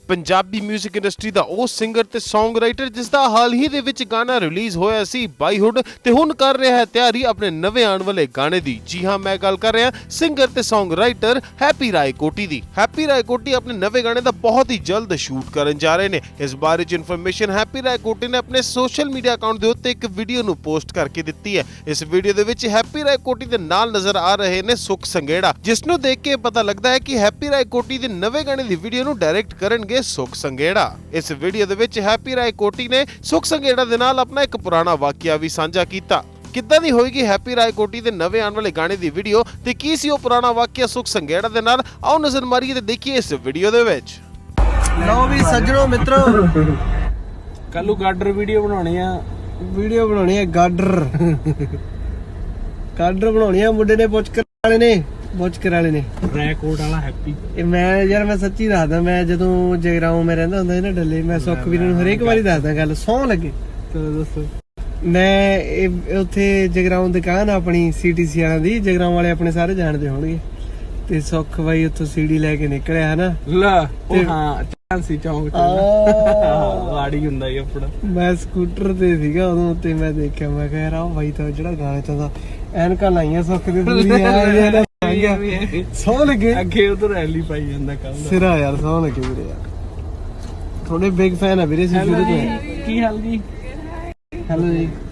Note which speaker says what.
Speaker 1: Punjabi 뮤직 industry ਦਾ ਉਹ singer ਤੇ song writer ਜਿਸ ਦਾ ਹਾਲ ਹੀ ਦੇ ਵਿੱਚ ਗਾਣਾ ਰਿਲੀਜ਼ ਹੋਇਆ ਸੀ ਬਾਈਹੁੱਡ ਤੇ ਹੁਣ ਕਰ ਰਿਹਾ ਹੈ ਤਿਆਰੀ ਆਪਣੇ ਨਵੇਂ ਆਉਣ ਵਾਲੇ ਗਾਣੇ ਦੀ। ਜੀ ਹਾਂ, ਮੈਂ ਗੱਲ ਕਰ ਰਿਹਾ ਸਿੰਗਰ ਤੇ ਸੌਂਗ ਰਾਈਟਰ ਹੈਪੀ ਰਾਏਕੋਟੀ ਦੀ। ਹੈਪੀ ਰਾਏਕੋਟੀ ਆਪਣੇ ਨਵੇਂ ਗਾਣੇ ਦਾ ਬਹੁਤ ਹੀ ਜਲਦ ਸ਼ੂਟ ਕਰਨ ਜਾ ਰਹੇ ਨੇ। ਇਸ ਬਾਰੇ ਚ ਇਨਫੋਰਮੇਸ਼ਨ ਹੈਪੀ ਰਾਏਕੋਟੀ ਨੇ ਆਪਣੇ ਸੋਸ਼ਲ ਮੀਡੀਆ ਅਕਾਊਂਟ ਦੇ ਉੱਤੇ ਇੱਕ ਵੀਡੀਓ ਨੂੰ ਪੋਸਟ ਕਰਕੇ ਦਿੱਤੀ ਹੈ। ਇਸ ਵੀਡੀਓ ਦੇ ਵਿੱਚ ਹੈਪੀ ਰਾਏਕੋਟੀ ਦੇ ਨਾਲ ਨਜ਼ਰ ਆ ਰਹੇ ਨੇ ਸੁਖ ਸੰਘੇੜਾ, ਜਿਸ ਨੂੰ ਦੇਖ ਕੇ ਪਤਾ ਲੱਗਦਾ ਹੈ ਕਿ ਹੈਪੀ ਰਾਏਕੋਟੀ ਦੇ ਨਵੇਂ ਗਾਣੇ ਦੀ ਵੀਡੀਓ ਨੂੰ ਡਾਇਰੈਕਟ ਕਰਨਗੇ ਸੁਖ ਸੰਘੇੜਾ। ਇਸ ਵੀਡੀਓ ਦੇ ਵਿੱਚ ਹੈਪੀ ਰਾਏਕੋਟੀ ਨੇ ਸੁਖ ਸੰਘੇੜਾ ਦੇ ਨਾਲ ਆਪਣਾ ਇੱਕ ਪੁਰਾਣਾ ਵਾਕਿਆ ਵੀ ਸਾਂਝਾ ਕੀਤਾ। ਕਿੱਦਾਂ ਦੀ ਹੋਏਗੀ ਹੈਪੀ ਰਾਏਕੋਟੀ ਦੇ ਨਵੇਂ ਆਉਣ ਵਾਲੇ ਗਾਣੇ ਦੀ ਵੀਡੀਓ ਤੇ ਕੀ ਸੀ ਉਹ ਪੁਰਾਣਾ ਵਾਕਿਆ ਸੁਖ ਸੰਘੇੜਾ ਦੇ ਨਾਲ, ਆਓ ਨਜ਼ਰ ਮਾਰੀਏ ਤੇ ਦੇਖੀਏ ਇਸ ਵੀਡੀਓ ਦੇ ਵਿੱਚ।
Speaker 2: ਲਓ ਵੀ ਸੱਜਣੋ ਮਿੱਤਰੋ,
Speaker 3: ਕੱਲੂ ਗਾਡਰ ਵੀਡੀਓ ਬਣਾਉਣੀ ਆ ਗਾਡਰ ਬਣਾਉਣੀ ਆ। ਮੁੰਡੇ ਨੇ ਬੁਚਕਰ ਵਾਲੇ ਨੇ
Speaker 2: ਰੈਕੋਟ ਵਾਲਾ ਹੈਪੀ।
Speaker 3: ਇਹ ਮੈਂ ਸੱਚੀ ਦੱਸਦਾ, ਮੈਂ ਜਦੋਂ ਜਗਰਾਉਂ ਮੈਂ ਰਹਿੰਦਾ ਹੁੰਦਾ ਸੀ ਨਾ ਡੱਲੇ, ਮੈਂ ਸੁੱਖ ਵੀਰ ਨੂੰ ਹਰੇਕ ਵਾਰੀ ਦੱਸਦਾ ਗੱਲ, ਸਹੁੰ ਲੱਗੇ।
Speaker 2: ਚਲੋ ਦੱਸੋ।
Speaker 3: ਮੈਂ ਉੱਥੇ ਜਗਰਾਉਂ ਦੁਕਾਨ ਆਪਣੀ CTC ਵਾਲਿਆਂ ਦੀ, ਜਗਰਾਉਂ ਵਾਲੇ ਆਪਣੇ ਸਾਰੇ ਜਾਣਦੇ ਹੋਣਗੇ। ਤੇ ਸੁੱਖ ਬਾਈ ਉੱਥੋਂ ਸੀੜੀ ਲੈ ਕੇ ਨਿਕਲਿਆ ਹਨਾ,
Speaker 2: ਹਾਂ ਚਾਂਸੀ ਚੌਂਕ ਵਾੜੀ ਹੁੰਦਾ ਹੀ ਆਪਣਾ।
Speaker 3: ਮੈਂ ਸਕੂਟਰ ਤੇ ਸੀਗਾ ਉਦੋਂ, ਤੇ ਮੈਂ ਦੇਖਿਆ, ਮੈਂ ਕਿਹਾ ਯਾਰ ਆਹ ਬਾਈ ਤਾਂ ਜਿਹੜਾ ਗਾਣਾ ਚਾਹੁੰਦਾ, ਐਨਕਾਂ ਲਾਈਆਂ ਸੁੱਖ ਦੇ ਪੂਰੀਆਂ ਸੌ ਲੱਗੇ
Speaker 2: ਅੱਗੇ ਉਧਰ ਰੈਲੀ ਪਾਈ ਜਾਂਦਾ ਕੱਲ
Speaker 3: ਸਿਰਾ ਯਾਰ, ਸੌ ਲੱਗੇ ਵੀਰੇ ਯਾਰ, ਥੋੜੇ ਬਿਗ ਫੈਨ ਆ ਵੀਰੇ ਸ਼ੁਰੂ ਤੋਂ।
Speaker 2: ਕੀ ਹਾਲ ਜੀ?
Speaker 3: ਹੈਲੋ ਜੀ।